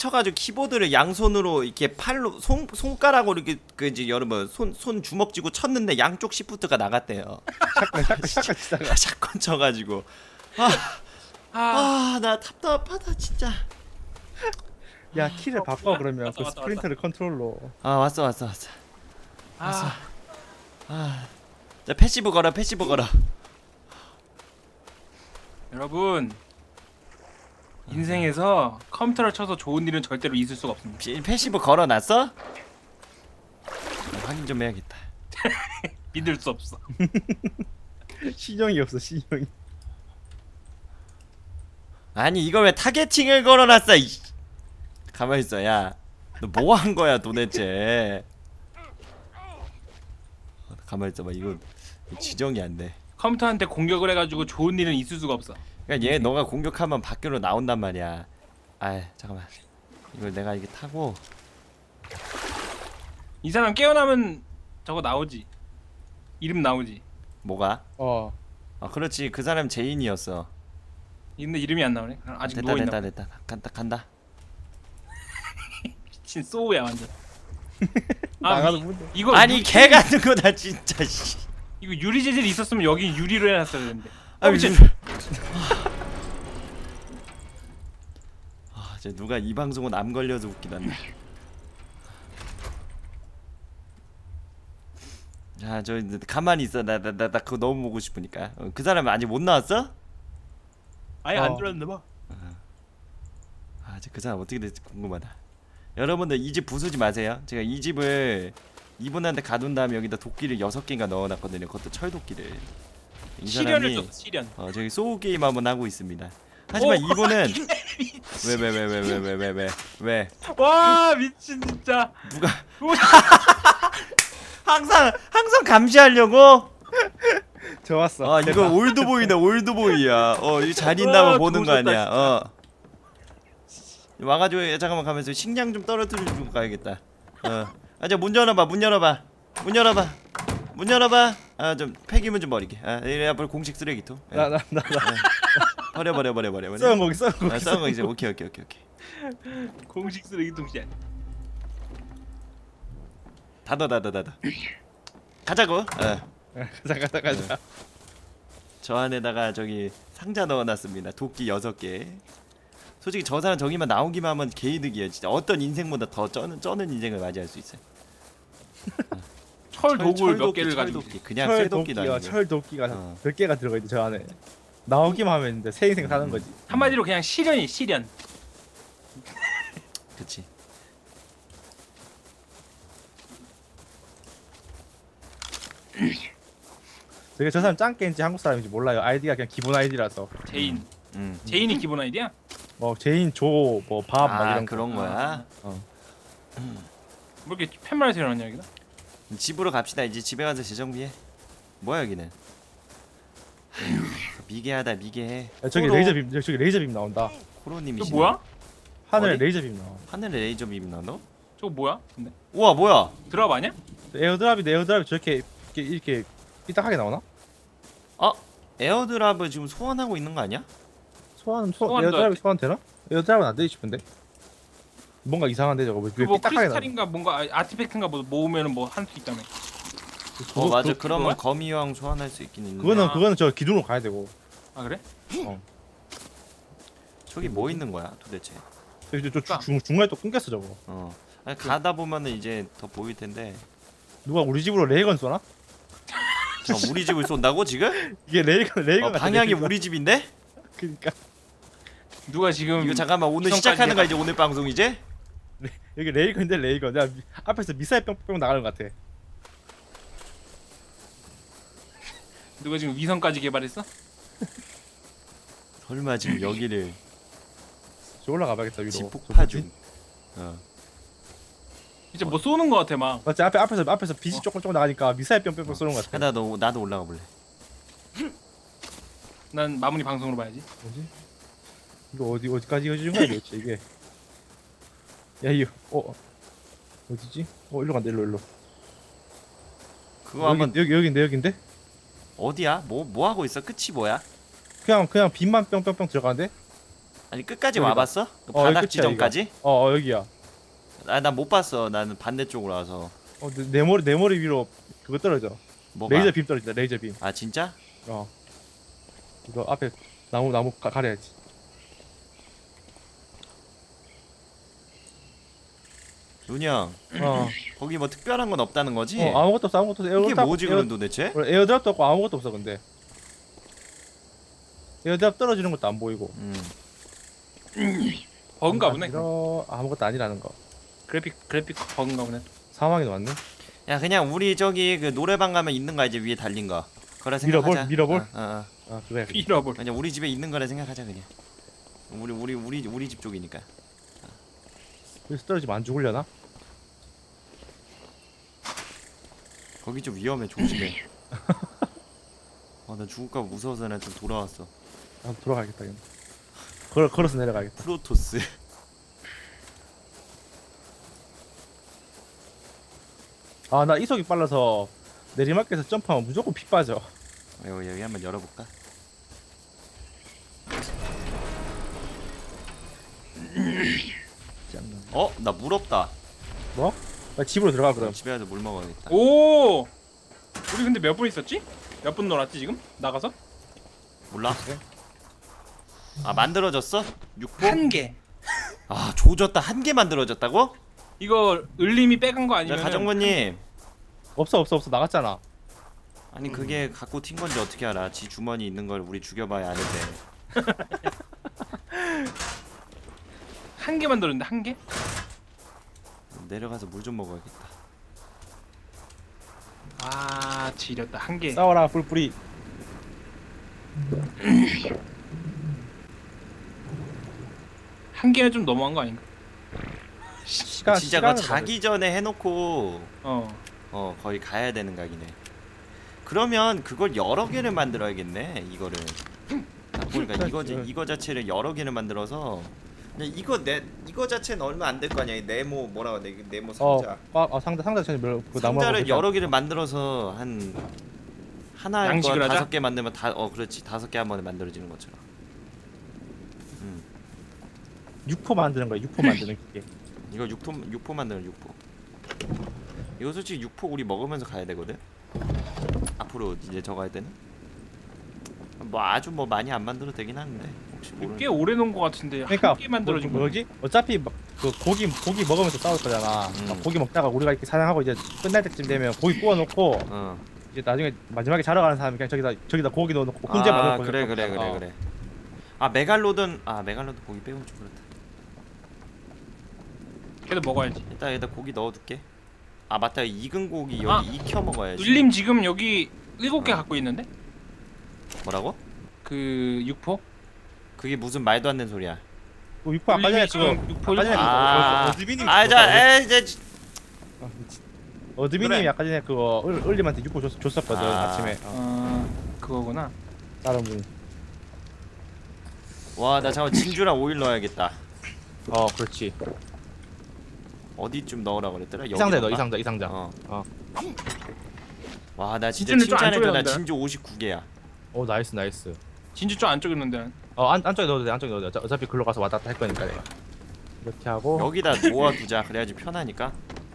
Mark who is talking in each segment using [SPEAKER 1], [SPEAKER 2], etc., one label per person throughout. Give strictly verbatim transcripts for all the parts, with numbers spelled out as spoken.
[SPEAKER 1] 쳐가지고 키보드를 양손으로 이렇게 팔로 손 손가락으로 이렇게 그 이제 여러분 손 손 주먹 쥐고 쳤는데 양쪽 시프트가 나갔대요.
[SPEAKER 2] 샷건 샷건 샷건 치다가
[SPEAKER 1] 샷건 쳐가지고
[SPEAKER 3] 아,
[SPEAKER 1] 아 나 답답하다 진짜.
[SPEAKER 2] 야 키를 바꿔 그러면
[SPEAKER 3] 왔다,
[SPEAKER 2] 그
[SPEAKER 3] 왔다,
[SPEAKER 2] 스프린터를 컨트롤로.
[SPEAKER 1] 아 왔어 왔어 왔어.
[SPEAKER 3] 아,
[SPEAKER 1] 아, 자 패시브 걸어 패시브 걸어.
[SPEAKER 3] 여러분 인생에서 컴퓨터를 쳐서 좋은 일은 절대로 있을 수가 없습니다.
[SPEAKER 1] 피- 패시브 걸어놨어? 아, 확인 좀 해야겠다.
[SPEAKER 3] 믿을 수 없어.
[SPEAKER 2] 신용이 없어 신용이.
[SPEAKER 1] 아니 이걸 왜 타겟팅을 걸어놨어? 이... 가만 있어, 야. 너 뭐 한 거야 도대체? 어, 가만 있어봐. 이거 지정이 안 돼.
[SPEAKER 3] 컴퓨터한테 공격을 해가지고 좋은 일은 있을 수가 없어.
[SPEAKER 1] 그러니까 얘 너가 공격하면 밖으로 나온단 말이야. 아, 잠깐만. 이걸 내가 이게 타고.
[SPEAKER 3] 이 사람 깨어나면 저거 나오지. 이름 나오지.
[SPEAKER 1] 뭐가?
[SPEAKER 2] 어.
[SPEAKER 1] 아, 그렇지. 그 사람 제인이었어.
[SPEAKER 3] 근데 이름이 안 나오네. 아직
[SPEAKER 1] 됐다
[SPEAKER 3] 누워 있나?
[SPEAKER 1] 됐다 됐다. 간다 간다.
[SPEAKER 3] 미친 소우야 완전.
[SPEAKER 2] 나가도
[SPEAKER 3] 미-
[SPEAKER 2] 문제.
[SPEAKER 3] 이거
[SPEAKER 1] 아니
[SPEAKER 3] 유-
[SPEAKER 1] 개 같은 거다 진짜. 씨.
[SPEAKER 3] 이거 유리 재질이 있었으면 여기 유리로 해놨어야 되는데.
[SPEAKER 1] 아,
[SPEAKER 3] 어, 미친.
[SPEAKER 1] 미친. 아, 저 누가 이 방송은 암 걸려서 웃기다. 자, 저 이제 가만히 있어. 나 나 나 나 그거 너무 보고 싶으니까. 어, 그 사람 아직 못 나왔어?
[SPEAKER 3] 아예
[SPEAKER 2] 어.
[SPEAKER 3] 안 들었나 봐.
[SPEAKER 1] 아, 저 그 사람 어떻게 될지 궁금하다. 여러분들 이 집 부수지 마세요. 제가 이 집을 이분한테 가둔 다음에 여기다 도끼를 여섯 개인가 넣어놨거든요. 그것도 철도끼를. 이
[SPEAKER 3] 시련을
[SPEAKER 1] 사람이
[SPEAKER 3] 줬어. 시련.
[SPEAKER 1] 어 저기 소우 게임 한번 하고 있습니다. 하지만
[SPEAKER 3] 오,
[SPEAKER 1] 이분은 왜 왜 왜 왜 왜 왜 왜 왜 왜
[SPEAKER 3] 와 미친 진짜.
[SPEAKER 1] 누가 항상 항상 감시하려고?
[SPEAKER 2] 좋았어.
[SPEAKER 1] 아 이거 올드보이네 올드보이야. 어 이거 잘 있나만
[SPEAKER 3] 와,
[SPEAKER 1] 보는 거
[SPEAKER 3] 좋으셨다,
[SPEAKER 1] 아니야.
[SPEAKER 3] 진짜.
[SPEAKER 1] 어 와가지고 잠깐만 가면서 식량 좀 떨어뜨리고 가야겠다. 어 아저 문 열어봐 문 열어봐 문 열어봐 문 열어봐. 아 좀 폐기물 좀 버리게. 아 이래 앞으로 공식 쓰레기통. 예.
[SPEAKER 2] 나 나 나 나.
[SPEAKER 1] 버려 버려 버려 버려 버려.
[SPEAKER 2] 썩은 고기 썩은 고기.
[SPEAKER 1] 아 썩은 거 이제 오케이 오케이 오케이 오케이.
[SPEAKER 3] 공식 쓰레기통 시 아니야.
[SPEAKER 1] 닫아 닫아 닫아. 가자고. 어.
[SPEAKER 2] 가자 가자 가자.
[SPEAKER 1] 저 안에다가 저기 상자 넣어놨습니다. 도끼 여섯 개. 솔직히 저 사람 저기만 나오기만 하면 개이득이에요. 진짜 어떤 인생보다 더 쩌는 쩌는 인생을 맞이할 수 있어요.
[SPEAKER 3] 철 도구를 몇
[SPEAKER 1] 철도끼,
[SPEAKER 3] 개를 가지고.
[SPEAKER 1] 철도끼. 그냥
[SPEAKER 2] 철
[SPEAKER 1] 쇠도끼도
[SPEAKER 2] 도끼가
[SPEAKER 1] 아니고.
[SPEAKER 2] 철 도끼가
[SPEAKER 1] 어.
[SPEAKER 2] 몇 개가 들어가 있는데 저 안에 나오기만 하면 이제 새 인생 사는 거지.
[SPEAKER 3] 한마디로 그냥 시련이 시련.
[SPEAKER 1] 그치.
[SPEAKER 2] 저게 저 사람 짱깨인지 한국 사람인지 몰라요. 아이디가 그냥 기본 아이디라서.
[SPEAKER 3] 제인.
[SPEAKER 1] 음.
[SPEAKER 3] 제인이 기본 아이디야?
[SPEAKER 2] 뭐 제인 조뭐밥 막
[SPEAKER 1] 아
[SPEAKER 2] 이런 거.
[SPEAKER 1] 그런 거야.
[SPEAKER 2] 어.
[SPEAKER 3] 뭐 이렇게 팻말에서 일어났냐 여기다?
[SPEAKER 1] 집으로 갑시다. 이제 집에 가서 재정비해. 뭐야 여기는? 아휴, 미개하다 미개해.
[SPEAKER 2] 야, 저기
[SPEAKER 1] 코로-
[SPEAKER 2] 레이저 빔 저기, 저기 레이저 빔 나온다.
[SPEAKER 1] 코로님이시.
[SPEAKER 3] 저 뭐야?
[SPEAKER 2] 하늘에
[SPEAKER 1] 어디?
[SPEAKER 2] 레이저 빔 나와.
[SPEAKER 1] 하늘에 레이저 빔 나 너?
[SPEAKER 3] 저거 뭐야? 근데
[SPEAKER 1] 우와 뭐야?
[SPEAKER 3] 드랍 아니야?
[SPEAKER 2] 에어드랍이 에어드랍이 저렇게 이렇게 이렇게 삐딱하게 나오나?
[SPEAKER 1] 어? 에어드랍을 지금 소환하고 있는 거 아니야?
[SPEAKER 2] 소환 소
[SPEAKER 3] 소환도
[SPEAKER 2] 에어드랍이
[SPEAKER 3] 안
[SPEAKER 2] 소환 되나? 에어드랍은 안 되지 싶은데. 뭔가 이상한데 저거 왜
[SPEAKER 3] 그뭐
[SPEAKER 2] 삐딱하게 나와?
[SPEAKER 3] 크리스탈인가 뭔가 아- 아티팩트인가 뭐 모으면은 뭐 할 수 있다며.
[SPEAKER 1] 어 맞아.
[SPEAKER 2] 그,
[SPEAKER 1] 그러면
[SPEAKER 3] 그거야?
[SPEAKER 1] 거미왕 소환할 수 있긴 있는데.
[SPEAKER 2] 그거는
[SPEAKER 3] 아.
[SPEAKER 2] 그거는 저 기둥으로 가야 되고.
[SPEAKER 3] 아 그래?
[SPEAKER 1] 저기 뭐 있는 거야 도대체?
[SPEAKER 2] 저기 저, 저
[SPEAKER 3] 그러니까.
[SPEAKER 2] 중, 중간에 또 끊겼어 저거.
[SPEAKER 1] 어. 아니, 가다 보면은 이제 더 보일 텐데.
[SPEAKER 2] 누가 우리 집으로 레이건 쏘나?
[SPEAKER 1] 저 우리 집을 쏜다고 지금?
[SPEAKER 2] 이게 레이건 레이건
[SPEAKER 1] 어,
[SPEAKER 2] 같아,
[SPEAKER 1] 방향이
[SPEAKER 2] 레이건.
[SPEAKER 1] 우리 집인데?
[SPEAKER 2] 그러니까
[SPEAKER 3] 누가 지금
[SPEAKER 1] 이거 잠깐만 오늘
[SPEAKER 3] 위성까지
[SPEAKER 1] 시작하는 거야
[SPEAKER 3] 해봐.
[SPEAKER 1] 이제 오늘 방송 이제?
[SPEAKER 2] 여기 레이건인데 레이건. 야 미- 앞에서 미사일 뿅뿅 나가는 것 같아.
[SPEAKER 3] 누가 지금 위성까지 개발했어?
[SPEAKER 1] 설마 지금 여기를
[SPEAKER 2] 저 올라가봐야겠다 위로.
[SPEAKER 1] 집
[SPEAKER 2] 저
[SPEAKER 1] 폭파
[SPEAKER 2] 뭐지?
[SPEAKER 1] 중. 어.
[SPEAKER 3] 진짜 뭐 쏘는 거 같아 막.
[SPEAKER 2] 맞지 앞에 앞에서 앞에서 빛이
[SPEAKER 3] 어.
[SPEAKER 2] 조금 조금 나가니까 미사일 뿅뿅뿅 쏘는 것 같아.
[SPEAKER 1] 하다 너 나도 올라가 볼래.
[SPEAKER 3] 난 마무리 방송으로 봐야지.
[SPEAKER 2] 뭐지? 이거 어디 어디까지 이어지는 거야 도대체 이게? 야 이거 어 어디지? 어 일로 간다 일로 일로.
[SPEAKER 1] 그거 한번
[SPEAKER 2] 여기 여기 여기인데 여기인데?
[SPEAKER 1] 어디야? 뭐 뭐 하고 있어? 끝이 뭐야?
[SPEAKER 2] 그냥 그냥 빛만 뿅뿅뿅 들어가는데?
[SPEAKER 1] 아니 끝까지
[SPEAKER 2] 여기다.
[SPEAKER 1] 와봤어? 그
[SPEAKER 2] 어,
[SPEAKER 1] 바닥
[SPEAKER 2] 여기 끝이야,
[SPEAKER 1] 지점까지?
[SPEAKER 2] 어, 어 여기야.
[SPEAKER 1] 아 난 못 봤어. 나는 반대쪽으로 와서.
[SPEAKER 2] 어, 내, 내 머리 내 머리 위로 그거 떨어져.
[SPEAKER 1] 뭐가?
[SPEAKER 2] 레이저 빔 떨어진다. 레이저 빔.
[SPEAKER 1] 아 진짜?
[SPEAKER 2] 어. 이거 앞에 나무 나무 가, 가려야지.
[SPEAKER 1] 눈이 형
[SPEAKER 2] 어.
[SPEAKER 1] 거기 뭐 특별한 건 없다는 거지?
[SPEAKER 2] 어 아무것도 없어 아무것도 없어.
[SPEAKER 1] 이게
[SPEAKER 2] 에어드랍-
[SPEAKER 1] 뭐지
[SPEAKER 2] 에어-
[SPEAKER 1] 그럼 도대체?
[SPEAKER 2] 원래 에어드랍도 없고 아무것도 없어 근데. 에어드랍 떨어지는 것도 안 보이고.
[SPEAKER 1] 음.
[SPEAKER 3] 버그인가 보네.
[SPEAKER 2] 이러 아무것도 아니라는 거.
[SPEAKER 3] 그래픽 그래픽 버그인가 보네.
[SPEAKER 2] 사망이 왔네.
[SPEAKER 1] 야 그냥 우리 저기 그 노래방 가면 있는 거 이제 위에 달린 거. 그래
[SPEAKER 2] 밀어볼?
[SPEAKER 1] 생각하자.
[SPEAKER 2] 밀어볼?
[SPEAKER 1] 어, 어, 어.
[SPEAKER 2] 아 그거야.
[SPEAKER 3] 잃어볼.
[SPEAKER 1] 그냥 우리 집에 있는 거라 생각하자 그냥. 우리 우리 우리 우리 집 쪽이니까.
[SPEAKER 2] 여기서 떨어지면 안 죽으려나?
[SPEAKER 1] 거기 좀 위험해 조심해. 아나 죽을까 봐 무서워서 난 좀 돌아왔어.
[SPEAKER 2] 아 돌아가겠다 이거. 걸 걸어서 내려가겠다.
[SPEAKER 1] 프로토스.
[SPEAKER 2] 아 나 이속이 빨라서 내리막길에서 점프하면 무조건 피 빠져.
[SPEAKER 1] 여기 여기 한번 열어볼까? 어? 나 물 없다.
[SPEAKER 2] 뭐? 나 집으로 들어가 그럼.
[SPEAKER 1] 집에 가서 물 먹어야겠다.
[SPEAKER 3] 오. 우리 근데 몇 분 있었지? 몇 분 놀았지 지금? 나가서?
[SPEAKER 1] 몰라? 아 만들어졌어? 육 호?
[SPEAKER 3] 한 개.
[SPEAKER 1] 아 조졌다. 한 개 만들어졌다고?
[SPEAKER 3] 이거 을림이 빼간 거
[SPEAKER 1] 자
[SPEAKER 3] 아니면?
[SPEAKER 1] 가정부님.
[SPEAKER 2] 없어 없어 없어 나갔잖아.
[SPEAKER 1] 아니 그게 갖고 튄 건지 어떻게 알아? 지 주머니 있는 걸 우리 죽여봐야 아는데.
[SPEAKER 3] 한 개 만들었는데 한 개?
[SPEAKER 1] 내려가서 물 좀 먹어야겠다.
[SPEAKER 3] 아 지렸다 한 개.
[SPEAKER 2] 싸워라 뿔뿔이.
[SPEAKER 3] 한 개는 좀 너무한 거 아닌가?
[SPEAKER 2] 시간
[SPEAKER 1] 진짜 그거
[SPEAKER 2] 시간을
[SPEAKER 1] 자기 전에 해놓고
[SPEAKER 3] 어.
[SPEAKER 1] 어 거의 가야 되는 각이네. 그러면 그걸 여러 개를 만들어야겠네. 이거를. 딱 보니까 이거지 이거 자체를 여러 개를 만들어서 그냥 이거 내 이거 자체는 얼마 안 될 거 아니야. 이 네모 뭐라고 해야 돼? 이게 네모 상자.
[SPEAKER 2] 어, 어, 어 상자 상자 전에 그 나무하고
[SPEAKER 1] 상자를
[SPEAKER 2] 그냥-
[SPEAKER 1] 여러 개를 만들어서 한 하나의 거
[SPEAKER 3] 양식을 하자?
[SPEAKER 1] 다섯 개 만들면 다 어 그렇지 다섯 개 한 번에 만들어지는 것처럼. 음
[SPEAKER 2] 육포 만드는 거야. 육포 만드는 게.
[SPEAKER 1] 이거 육포 육포 만드는 육포. 이거 솔직히 육포 우리 먹으면서 가야 되거든. 앞으로 이제 저 가야 되는. 뭐 아주 뭐 많이 안 만들어도 되긴 하는데 혹시 모르는.
[SPEAKER 3] 꽤 오래 놓은 거 같은데
[SPEAKER 2] 그러니까
[SPEAKER 3] 한 개 만들어진
[SPEAKER 2] 뭐,
[SPEAKER 3] 거.
[SPEAKER 2] 뭐지? 어차피 막 그 고기 고기 먹으면서 싸울 거잖아.
[SPEAKER 1] 음.
[SPEAKER 2] 막 고기 먹다가 우리가 이렇게 사냥하고 이제 끝날 때쯤 되면 고기 구워 놓고
[SPEAKER 1] 어.
[SPEAKER 2] 이제 나중에 마지막에 자러 가는 사람이 그냥 저기다 저기다 고기 넣어 놓고 혼자
[SPEAKER 1] 아
[SPEAKER 2] 먹을
[SPEAKER 1] 그래 그래 그래 그래. 아 메갈로든 아 메갈로든 고기 빼면 좀 그렇다.
[SPEAKER 3] 걔도 먹어야지.
[SPEAKER 1] 일단 여기다 고기 넣어둘게. 아 맞다 익은 고기 여기
[SPEAKER 3] 아.
[SPEAKER 1] 익혀 먹어야지.
[SPEAKER 3] 을림 지금 여기 일곱 개
[SPEAKER 1] 어.
[SPEAKER 3] 갖고 있는데?
[SPEAKER 1] 뭐라고?
[SPEAKER 3] 그 육포?
[SPEAKER 1] 그게 무슨 말도 안 되는 소리야.
[SPEAKER 2] 그 육포 아까 전에
[SPEAKER 3] 을림이
[SPEAKER 2] 그거
[SPEAKER 3] 지금 육포
[SPEAKER 2] 아까 전에
[SPEAKER 3] 일곱 개.
[SPEAKER 1] 아,
[SPEAKER 2] 어드민님이
[SPEAKER 1] 아, 자, 에, 이제
[SPEAKER 2] 어드민님이
[SPEAKER 3] 그래.
[SPEAKER 2] 아까 전에 그거 을, 을림한테 육포 줬, 줬었거든
[SPEAKER 1] 아.
[SPEAKER 2] 아침에. 어,
[SPEAKER 3] 어 그거구나.
[SPEAKER 2] 다른 분이.
[SPEAKER 1] 와, 나 잠깐 진주랑 오일 넣어야겠다.
[SPEAKER 2] 어 그렇지.
[SPEAKER 1] 어디쯤 넣으라 그랬더라?
[SPEAKER 2] 이 상자 넣어 이
[SPEAKER 1] 넣을까?
[SPEAKER 2] 상자 이 상자.
[SPEAKER 1] 어.
[SPEAKER 2] 어.
[SPEAKER 1] 와, 나 진짜
[SPEAKER 3] 진주는 좀안
[SPEAKER 1] 칭찬해줘. 나
[SPEAKER 3] 쪼개는데?
[SPEAKER 1] 진주 오십구 개야.
[SPEAKER 2] 오 나이스 나이스.
[SPEAKER 3] 진주 좀 안쪽에 있는데.
[SPEAKER 2] 어 안, 안쪽에 넣어도 돼 안쪽에 넣어도 돼. 어차- 어차피 글로 가서 왔다 갔다 할 거니까 내가. 이렇게 하고
[SPEAKER 1] 여기다 모아두자. 그래야지 편하니까.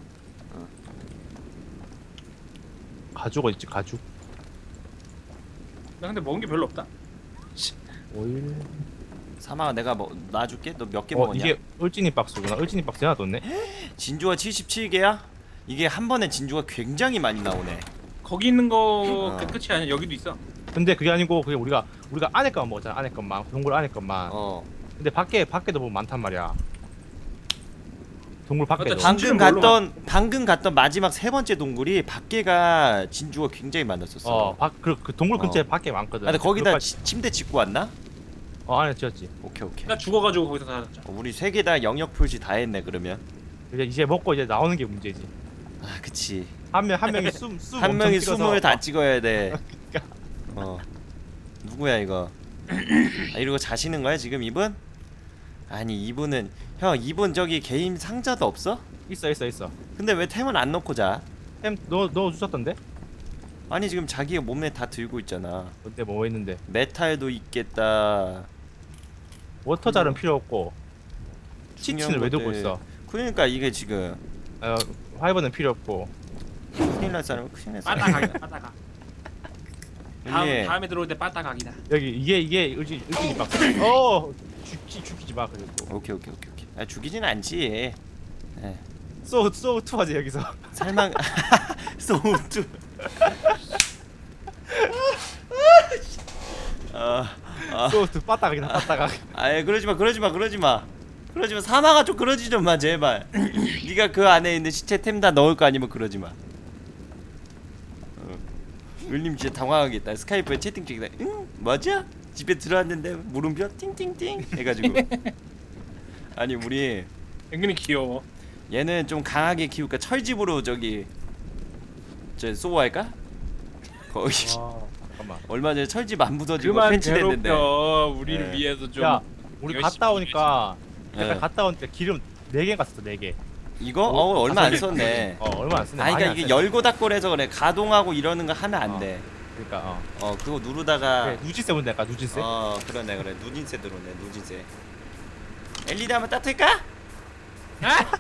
[SPEAKER 2] 가죽 어딨지 가죽.
[SPEAKER 3] 나 근데 먹은 게 별로 없다.
[SPEAKER 2] 오일.
[SPEAKER 1] 사마가 내가 뭐 놔줄게. 너 몇 개
[SPEAKER 2] 어
[SPEAKER 1] 먹었냐?
[SPEAKER 2] 이게 을진이 박스구나. 을진이 박스 하나 뒀네.
[SPEAKER 1] 진주가 칠십칠 개야? 이게 한 번에 진주가 굉장히 많이 나오네.
[SPEAKER 3] 거기 있는 거
[SPEAKER 1] 어.
[SPEAKER 3] 그 끝이 아니야. 여기도 있어.
[SPEAKER 2] 근데 그게 아니고 그게 우리가 우리가 안에 것만 먹었잖아. 안에 것만 동굴 안에 것만.
[SPEAKER 1] 어.
[SPEAKER 2] 근데 밖에 밖에도 보면 많단 말이야. 동굴 밖에도.
[SPEAKER 3] 맞다, 진주는
[SPEAKER 1] 방금
[SPEAKER 3] 뭘로
[SPEAKER 1] 갔던 방금 갔던 마지막 세 번째 동굴이 밖에가 진주가 굉장히 많았었어.
[SPEAKER 2] 어, 밖, 그, 그 동굴
[SPEAKER 1] 어.
[SPEAKER 2] 근처에 밖에 많거든.
[SPEAKER 1] 아, 근데 거기다
[SPEAKER 2] 그것까지-
[SPEAKER 1] 치- 침대 짓고 왔나?
[SPEAKER 2] 어 안에 지었지.
[SPEAKER 1] 오케이 오케이.
[SPEAKER 3] 나 죽어가지고 거기서 살았죠.
[SPEAKER 1] 어, 우리 세 개 다 영역 표시 다 했네 그러면.
[SPEAKER 2] 이제 이제 먹고 이제 나오는 게 문제지.
[SPEAKER 1] 아 그치.
[SPEAKER 2] 한 명 한 명이 숨숨
[SPEAKER 1] 한 명이 숨을 다 찍어야 돼. 어. 누구야 이거? 아, 이러고 자시는 거야 지금 이분? 아니 이분은 형 이분 저기 개인 상자도 없어?
[SPEAKER 2] 있어 있어 있어.
[SPEAKER 1] 근데 왜 템은 안 넣고 자?
[SPEAKER 2] 햄너 넣어 주셨던데?
[SPEAKER 1] 아니 지금 자기가 몸에 다 들고 있잖아.
[SPEAKER 2] 그때 뭐 했는데?
[SPEAKER 1] 메탈도 있겠다.
[SPEAKER 2] 워터잘은 필요 없고 치치는 왜 두고
[SPEAKER 1] 것들.
[SPEAKER 2] 있어?
[SPEAKER 1] 그러니까 이게 지금
[SPEAKER 2] 어, 화이버는 필요 없고.
[SPEAKER 1] 큰일 날 사람 큰일 날 사람.
[SPEAKER 3] 빠따각이다 빠따각. 다음
[SPEAKER 1] 이게
[SPEAKER 3] 다음에 들어올 때 빠따각이다.
[SPEAKER 2] 여기 이게 이게 의지 의지 막. 어 죽지 죽이지 마 그래도.
[SPEAKER 1] 오케이 오케이 오케이 오케이. 아 죽이진 않지. 예.
[SPEAKER 2] 쏘 쏘투 하지 여기서.
[SPEAKER 1] 살만 소우투. 아, 아,
[SPEAKER 2] 쏘투 빠따각이다 빠따각.
[SPEAKER 1] 아예 그러지 마, 그러지 마, 그러지 마, 그러지 마. 사마가 좀 그러지 좀 마, 제발. 네가 그 안에 있는 시체 템 다 넣을 거 아니면 그러지 마. 어. 울림 진짜 당황하겠다. 스카이프에 채팅 중이다. 응, 맞아? 집에 들어왔는데 물음표 띵띵띵 해가지고. 아니 우리
[SPEAKER 3] 은근히 귀여워.
[SPEAKER 1] 얘는 좀 강하게 키울까? 철집으로 저기 저 소화할까? 거의
[SPEAKER 2] 와 잠깐만.
[SPEAKER 1] 얼마 전에 철집 안 부서지고
[SPEAKER 3] 그만
[SPEAKER 1] 펜치됐는데.
[SPEAKER 3] 괴롭혀. 우리를
[SPEAKER 1] 네.
[SPEAKER 3] 위해서 좀.
[SPEAKER 2] 야 우리
[SPEAKER 3] 열심히
[SPEAKER 2] 갔다 오니까
[SPEAKER 1] 네.
[SPEAKER 2] 약간 갔다 오니까 기름 네 개가 썼어 네 개.
[SPEAKER 1] 이거?
[SPEAKER 2] 어,
[SPEAKER 1] 어 얼마 안
[SPEAKER 2] 다섯 개.
[SPEAKER 1] 썼네.
[SPEAKER 2] 어 얼마 안 쓰네.
[SPEAKER 1] 아
[SPEAKER 2] 많이
[SPEAKER 1] 그러니까
[SPEAKER 2] 안
[SPEAKER 1] 이게
[SPEAKER 2] 쓰네.
[SPEAKER 1] 열고 닫고 해서 그래. 가동하고 이러는 거 하면 안
[SPEAKER 2] 어.
[SPEAKER 1] 돼.
[SPEAKER 2] 그러니까 어.
[SPEAKER 1] 어 그거 누르다가
[SPEAKER 2] 그래, 누진세 문제 약간 누진세.
[SPEAKER 1] 어 그러네 그래. 누진세 들어오네 누진세. 엘이디 한번 따뜻할까?
[SPEAKER 3] 아!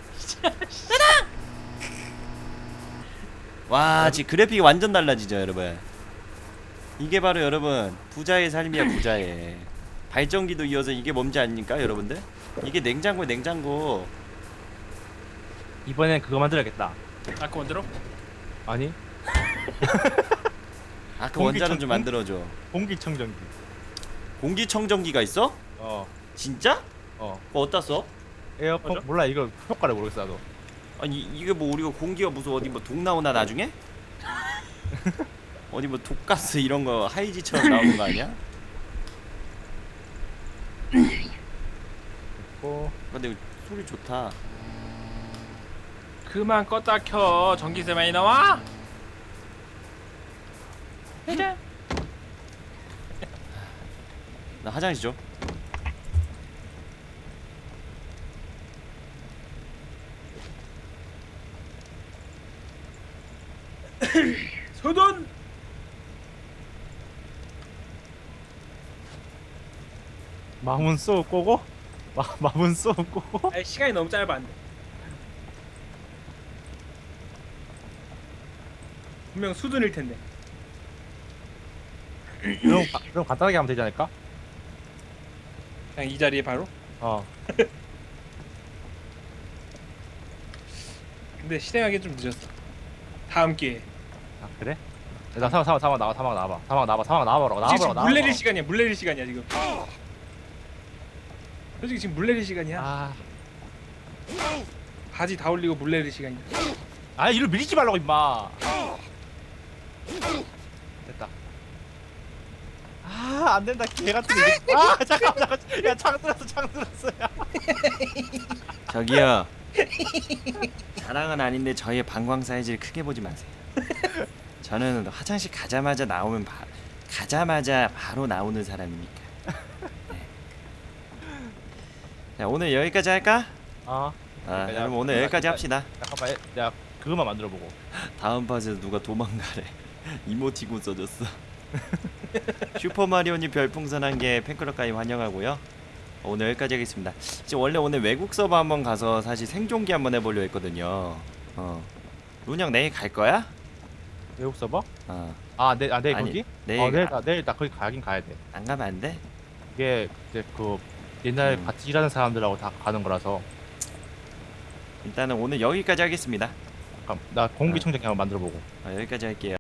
[SPEAKER 1] 와 지금 그래픽이 완전 달라지죠 여러분. 이게 바로 여러분 부자의 삶이야 부자의. 발전기도 이어서 이게 뭔지 아닙니까 여러분들? 이게 냉장고 냉장고.
[SPEAKER 2] 이번엔 그거 만들어야겠다.
[SPEAKER 3] 아까 만들어?
[SPEAKER 2] 아니
[SPEAKER 1] 아그
[SPEAKER 2] 공기청-
[SPEAKER 1] 원자로 좀 만들어줘.
[SPEAKER 2] 공기청정기.
[SPEAKER 1] 공기청정기가 있어?
[SPEAKER 2] 어
[SPEAKER 1] 진짜?
[SPEAKER 2] 어.
[SPEAKER 1] 그거 어디다 써?
[SPEAKER 2] 에어컨
[SPEAKER 3] 맞아?
[SPEAKER 2] 몰라 이거 효과를 모르겠어 나도.
[SPEAKER 1] 아니 이게 뭐 우리가 공기가 무슨 어디 뭐 독 나오나 나중에? 어디 뭐 독가스 이런 거 하이지처럼 나오는 거 아니야?
[SPEAKER 2] 어
[SPEAKER 1] 근데 이거 소리 좋다.
[SPEAKER 3] 그만 껐다 켜. 전기세 많이 나와? 해자.
[SPEAKER 1] 나 화장실 좀.
[SPEAKER 3] 소돈.
[SPEAKER 2] 마문 쏘고 꼬고 마 마문 쏘고 꼬고.
[SPEAKER 3] 아 시간이 너무 짧아 안 돼. 분명 수둔일 텐데.
[SPEAKER 2] 그럼 가- 그럼 간단하게 하면 되지 않을까?
[SPEAKER 3] 그냥 이 자리에 바로.
[SPEAKER 2] 어.
[SPEAKER 3] 근데 실행하기 좀 늦었어. 다음 기회.
[SPEAKER 2] 아 그래? 나 사막 사막 사막 나와 사막 나와봐 사막 나와봐 사막 나와보라고
[SPEAKER 3] 솔직히
[SPEAKER 2] 나와보라고
[SPEAKER 3] 지금
[SPEAKER 2] 나와봐.
[SPEAKER 3] 물 내릴 시간이야. 물 내릴 시간이야 지금. 솔직히 지금 물 내릴 시간이야.
[SPEAKER 2] 아,
[SPEAKER 3] 바지 다 올리고 물 내릴 시간이야.
[SPEAKER 2] 아 이를 밀지 말라고 임마. 됐다. 아, 안 된다. 개 같은 거. 아, 잠깐 잠깐. 야, 창 들었어. 창 들었어. 야.
[SPEAKER 1] 저기요. 자랑은 아닌데 저희의 방광 사이즈를 크게 보지 마세요. 저는 화장실 가자마자 나오면 바, 가자마자 바로 나오는 사람이니까. 네. 자 오늘 여기까지 할까?
[SPEAKER 2] 어.
[SPEAKER 1] 아
[SPEAKER 2] 여기까지
[SPEAKER 1] 여러분
[SPEAKER 2] 하고.
[SPEAKER 1] 오늘 여기까지 합시다.
[SPEAKER 2] 잠깐만. 야, 그거만 만들어 보고.
[SPEAKER 1] 다음 파트에서 누가 도망가래. 이모티콘 써줬어. 슈퍼마리오님 별풍선 한 개 팬클럽 가입 환영하고요. 오늘 여기까지 하겠습니다. 지금 원래 오늘 외국 서버 한번 가서 사실 생존기 한번 해보려 했거든요. 어. 룬형 내일 갈 거야?
[SPEAKER 2] 외국 서버?
[SPEAKER 1] 어.
[SPEAKER 2] 아, 내, 아, 내일
[SPEAKER 1] 아니,
[SPEAKER 2] 거기?
[SPEAKER 1] 내일
[SPEAKER 2] 어, 내일
[SPEAKER 1] 가-
[SPEAKER 2] 나 내일 나 거기 가긴 가야 돼.
[SPEAKER 1] 안 가면 안 돼?
[SPEAKER 2] 이게 이제 그 옛날
[SPEAKER 1] 음.
[SPEAKER 2] 같이 일하는 사람들하고 다 가는 거라서.
[SPEAKER 1] 일단은 오늘 여기까지 하겠습니다.
[SPEAKER 2] 잠깐, 나 공기청정기 한번 만들어 보고.
[SPEAKER 1] 어, 여기까지 할게요.